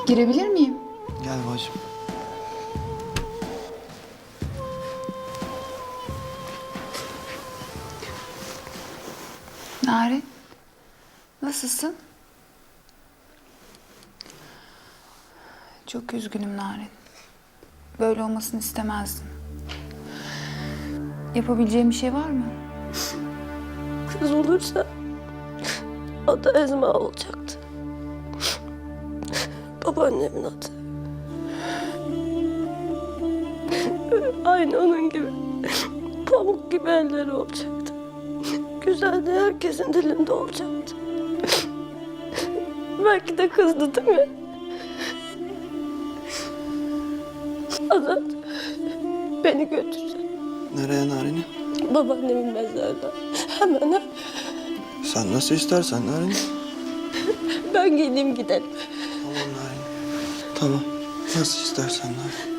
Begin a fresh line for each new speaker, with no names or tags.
Girebilir miyim?
Gel bacım.
Narin, nasılsın? Çok üzgünüm Narin. Böyle olmasını istemezdim. Yapabileceğim bir şey var mı?
Kız olursa adı Ezma olacaktı. Babaannemin adı. Aynı onun gibi pamuk gibi elleri olacaktı. Güzel de herkesin dilinde olacaktı. Belki de kızdı değil mi? Azat, beni götürsen.
Nereye Narin'i?
Babaannemin mezarına. Hemen.
Sen nasıl istersen Narin.
Ben gideyim gidelim.
Tamam Narin. Tamam. Nasıl istersen Narin.